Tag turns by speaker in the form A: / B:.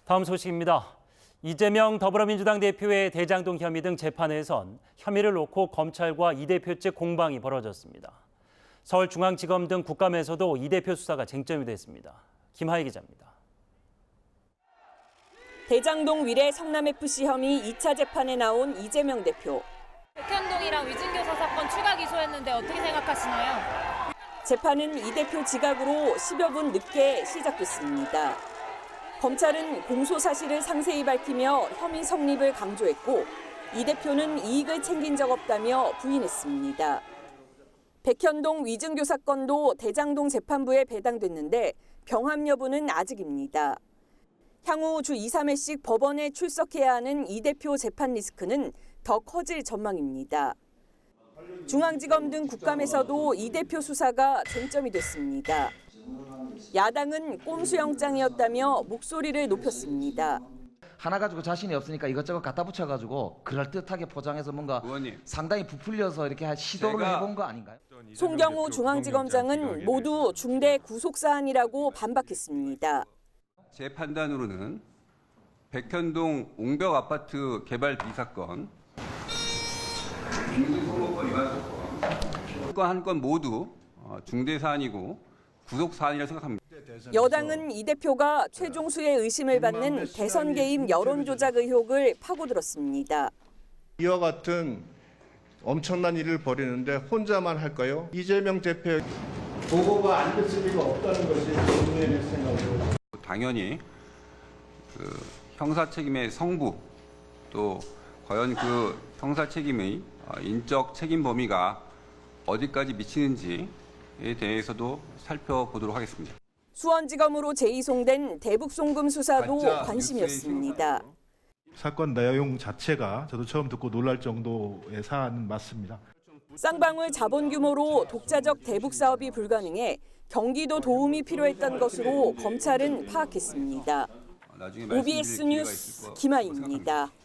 A: 다음 소식입니다. 이재명 더불어민주당 대표의 대장동 혐의 등 재판에선 혐의를 놓고 검찰과 이 대표 측 공방이 벌어졌습니다. 서울중앙지검 등 국감에서도 이 대표 수사가 쟁점이 됐습니다. 김하희 기자입니다.
B: 대장동 위례 성남FC 혐의 2차 재판에 나온 이재명 대표.
C: 백현동이랑 위증교사 사건 추가 기소했는데 어떻게 생각하시나요?
B: 재판은 이 대표 지각으로 10여 분 늦게 시작됐습니다. 검찰은 공소 사실을 상세히 밝히며 혐의 성립을 강조했고 이 대표는 이익을 챙긴 적 없다며 부인했습니다. 백현동 위증교 사건도 대장동 재판부에 배당됐는데 병합 여부는 아직입니다. 향후 주 2, 3회씩 법원에 출석해야 하는 이 대표 재판 리스크는 더 커질 전망입니다. 중앙지검 등 국감에서도 이 대표 수사가 쟁점이 됐습니다. 야당은 꼼수영장이었다며 목소리를 높였습니다.
D: 하나 가지고 자신이 없으니까 이것저것 갖다 붙여가지고 그럴듯하게 포장해서 뭔가 상당히 부풀려서 이렇게 시도를 해본 거 아닌가요?
B: 송경우 중앙지검장은 모두 중대 구속사안이라고 반박했습니다.
E: 제 판단으로는 백현동 옹벽 아파트 개발 비리 사건, 공직선거권 위반 사건 한 건 모두 중대 사안이고 구속 사안이라고 생각합니다.
B: 여당은 이 대표가 최종수의 의심을 받는 대선 개입 여론조작 의혹을 파고들었습니다.
F: 이와 같은 엄청난 일을 벌이는데 혼자만 할까요? 이재명 대표 보고가 안 됐을 리가 없다는 것이 국민의 생각입니다.
E: 당연히 그 형사 책임의 성부 또 과연 그 형사 책임의 인적 책임 범위가 어디까지 미치는지에 대해서도 살펴보도록 하겠습니다.
B: 수원지검으로 재이송된 대북송금 수사도 관심이었습니다.
G: 사건 내용 자체가 저도 처음 듣고 놀랄 정도의 사안은 맞습니다.
B: 쌍방울 자본 규모로 독자적 대북 사업이 불가능해 경기도 도움이 필요했던 것으로 검찰은 파악했습니다. OBS 뉴스 김하희입니다.